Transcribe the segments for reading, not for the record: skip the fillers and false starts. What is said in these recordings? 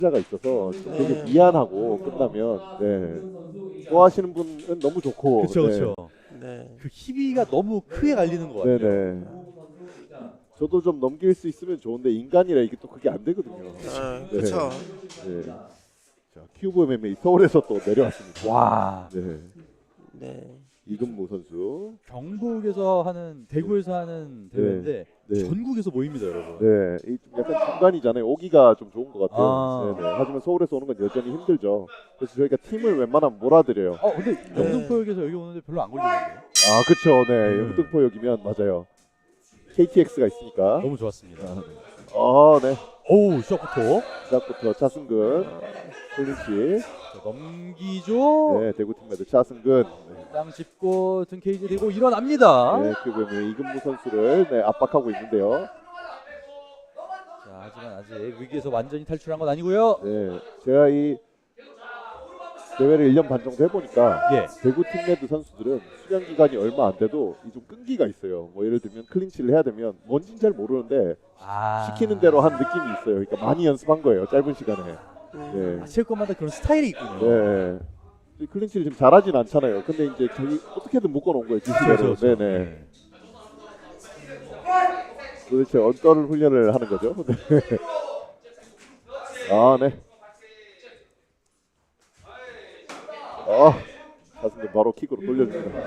자가 있어서 좀 되게 미안하고 끝나면 네. 좋아하시는 분은 너무 좋고 그렇죠, 네. 그렇죠. 네. 그 희비가 너무 크게 갈리는 것 같아요. 네네. 저도 좀 넘길 수 있으면 좋은데 인간이라 이게 또 그게 안 되거든요. 아, 그렇죠. 네. 자, 큐브 MMA 서울에서 또 내려왔습니다. 와, 네. 네. 이근무 선수. 경북에서 하는 대구에서 하는 대회인데 네. 전국에서 모입니다, 여러분. 네, 이좀 약간 중간이잖아요. 오기가 좀 좋은 것 같아요. 아. 네네. 하지만 서울에서 오는 건 여전히 힘들죠. 그래서 저희가 팀을 웬만하면 몰아드려요. 근데 영등포역에서 여기 오는데 별로 안 걸리는데요? 아, 그쵸. 네, 영등포역이면 맞아요. KTX가 있으니까. 너무 좋았습니다. 네. 오우, 시작부터 시작부터 차승근, 클린치. 자, 넘기죠. 네, 대구팀메드 차승근. 네, 땅 짚고 등 케이지 대고 일어납니다. 네 큐브의 이근무 선수를 네, 압박하고 있는데요. 자, 하지만 아직 위기에서 완전히 탈출한 건 아니고요. 네, 제가 이 대회를 1년 반 정도 해보니까 예. 대구 팀메드 선수들은 수련 기간이 얼마 안 돼도 이 좀 끈기가 있어요. 뭐 예를 들면 클린치를 해야 되면 뭔진 잘 모르는데 시키는 대로 한 느낌이 있어요. 그러니까 많이 연습한 거예요. 짧은 시간에. 네. 체육관마다 그런 스타일이 있군요. 네. 이 클린치를 지금 잘하진 않잖아요. 근데 이제 자기 어떻게든 묶어놓은 거예요. 지시대로. 그렇죠. 네네. 도대체 어떤 훈련을 하는 거죠? 네. 아, 네. 가슴을 바로 킥으로 돌려줍니다.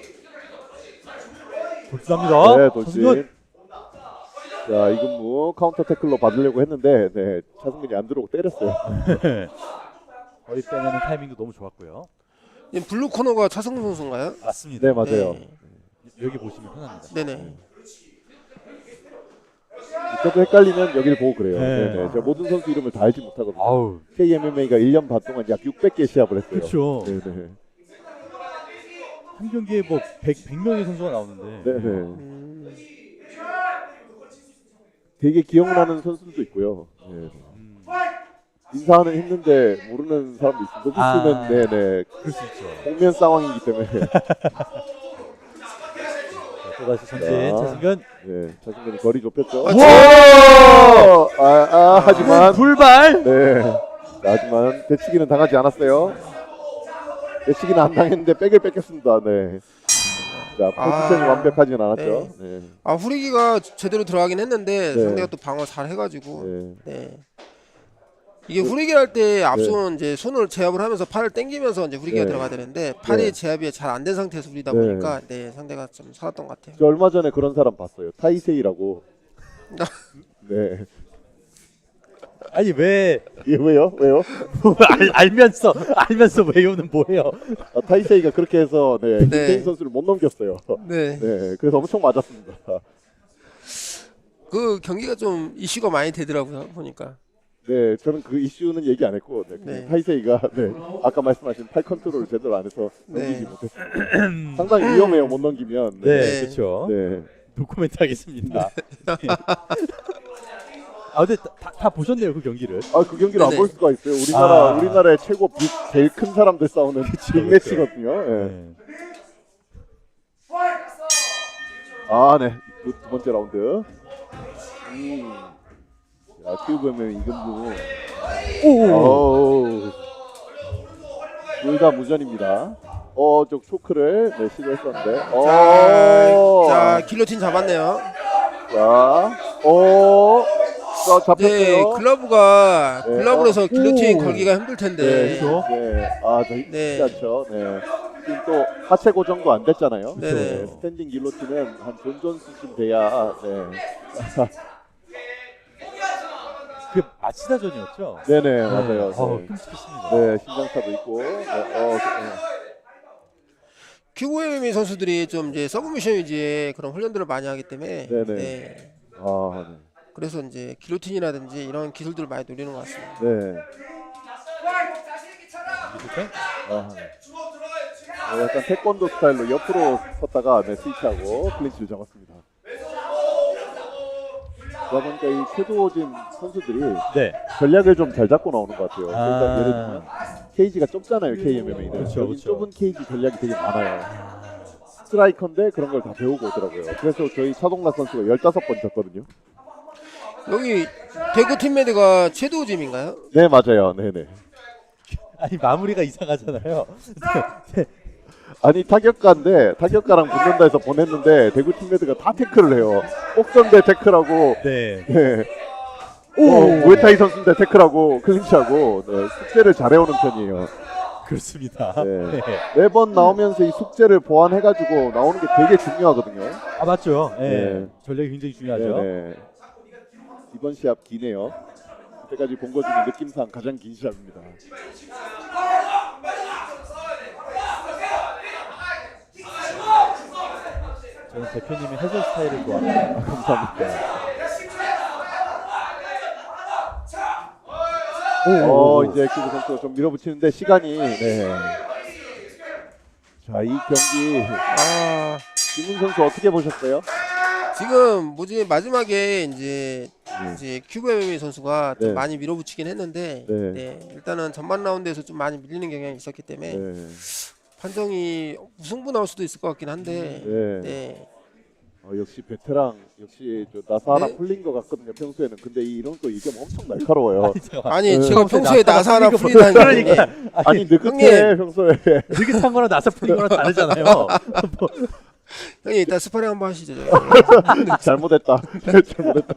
돌진합니다. 네, 돌진. 자, 이근무 카운터 태클로 받으려고 했는데 네, 차승근이 안 들어오고 때렸어요. 거의 빼내는 타이밍도 너무 좋았고요. 이 블루 코너가 차승근 선수인가요? 맞습니다. 네, 맞아요. 네. 여기 보시면 편합니다. 네네. 저도 헷갈리면 여기를 보고 그래요. 네. 네. 제가 모든 선수 이름을 다 알지 못하거든요. 아우, KMMA가 1년 반 동안 약 600개 시합을 했어요. 그렇죠. 네네. 한 경기에 뭐 100명의 선수가 나오는데. 네네. 되게 기억나는 선수들도 있고요. 네. 인사하는 힘든데 모르는 사람도 있고 높이 쓰면 네네. 그럴 수 있죠. 공면 상황이기 때문에. 자, 또다시 전진 자. 차승근. 네, 차승근이 거리 좁혔죠. 와! 하지만 불발. 네. 자, 하지만 대치기는 당하지 않았어요. 대치기는 안 당했는데 백을 뺏겼습니다. 네. 자, 포지션이 완벽하진 않았죠. 네. 후리기가 제대로 들어가긴 했는데 네. 상대가 또 방어 잘 해가지고. 네. 네. 이게 후리기 할 때 앞손 이제 손을 제압을 하면서 팔을 당기면서 이제 후리기가 네. 들어가야 되는데 팔이 네. 제압이 잘 안 된 상태에서 후리다 네. 보니까 네 상대가 좀 살았던 것 같아요. 저 얼마 전에 그런 사람 봤어요. 타이세이라고. 네. 아니 왜 이게 왜요? 왜요? 알면서 외우는 뭐예요? 타이세이가 그렇게 해서 네, 네. 김태인 선수를 못 넘겼어요. 네. 네. 그래서 엄청 맞았습니다. 그 경기가 좀 이슈가 많이 되더라고요 보니까. 네, 저는 그 이슈는 얘기 안 했고 네, 그냥 네. 타이세이가 네, 아까 말씀하신 팔 컨트롤을 제대로 안 해서 넘기지 네. 못했어요. 상당히 위험해요. 못 넘기면. 네, 네. 그렇죠. 네. 노코멘트 하겠습니다. 근데 다 보셨네요 그 경기를. 그 경기를 안 네네. 볼 수가 있어요. 우리나라의 최고 제일 큰 사람들 싸우는 빅매치거든요. 네. 네. 네. 두 번째 라운드. 자, 큐브면 이근무. 둘 다 무전입니다. 저 초크를 네, 시도했었는데. 자 길로틴 잡았네요. 자, 잡혔어요. 네 글러브가 네. 글러브로 해서 길로틴 오. 걸기가 힘들 텐데. 네, 그렇죠. 네. 저 쉽지 네. 않죠. 네. 지금 또 하체 고정도 안 됐잖아요. 네네. 네, 스탠딩 길로틴은 한 존 존스쯤 돼야. 네. 그 아치다전이었죠? 네네 맞아요. 네. 끔찍했습니다. 네, 신장차도 있고. 큐브 MMA 선수들이 좀 이제 서브미션 위주의 그런 훈련들을 많이 하기 때문에. 네네. 네. 네. 그래서 이제 길로틴이라든지 이런 기술들을 많이 노리는 것 같습니다. 네. 약간 태권도 스타일로 옆으로 섰다가 스위치하고 클린치를 잡았습니다. 그러다 보니까 이 최도진 선수들이 네. 전략을 좀 잘 잡고 나오는 것 같아요. 그러니까 아. 예를 들면 케이지가 좁잖아요, KMMA는. 그렇죠, 여기 그렇죠. 좁은 케이지 전략이 되게 많아요. 스트라이커인데 그런 걸 다 배우고 오더라고요. 그래서 저희 차동락 선수가 15번 졌거든요. 여기 대구 팀메드가 최도우짐인가요? 네 맞아요. 네네. 아니 마무리가 이상하잖아요. 아니 타격가인데 타격가랑 붙는다 해서 보냈는데 대구 팀메드가 다 태클을 해요. 꼭선대 태클하고 네. 네. 무에타이 선수인데 태클하고 클린치하고 네, 숙제를 잘해오는 편이에요. 그렇습니다. 네. 네. 매번 나오면서 이 숙제를 보완해가지고 나오는 게 되게 중요하거든요. 아 맞죠. 네. 네. 전력이 굉장히 중요하죠. 네. 이번 시합 기네요. 그때까지 본 것 중에 느낌상 가장 긴 시합입니다. 저는 대표님의 해설 스타일을 좋아합니다. 감사합니다. 이제 큐브 선수가 좀 밀어붙이는데 시간이 자, 이 경기 김훈 선수 어떻게 보셨어요? 지금 뭐지 마지막에 이제 큐브 MMA 선수가 좀 네. 많이 밀어붙이긴 했는데 네. 네, 일단은 전반 라운드에서 좀 많이 밀리는 경향이 있었기 때문에 네. 판정이 무승부 나올 수도 있을 것 같긴 한데 네. 네. 역시 베테랑 역시 저 나사 하나 네. 풀린 것 같거든요 평소에는. 근데 이런 거 이게 엄청 날카로워요. 아니 네. 제가 평소에 나사 하나 풀리다는 게 그러니까 아니 느긋해 형님. 평소에. 느긋한 거랑 나사 풀린 거랑 다르잖아요. 형님 이따 스파링 한번 하시죠. 저희. 잘못했다. 잘못했다.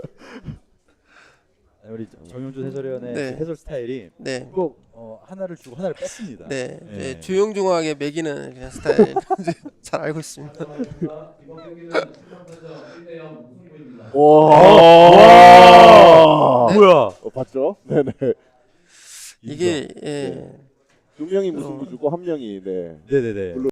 우리 정용준 해설위원의 네. 해설 스타일이 네. 꼭 하나를 주고 하나를 뺐습니다. 네, 네. 이제 조용조용하게 매기는 그냥 스타일 잘 알고 있습니다. 와. 뭐야? 봤죠? 네네. 이게 예. 두 명이 무승부 주고 한 명이 네. 네네네.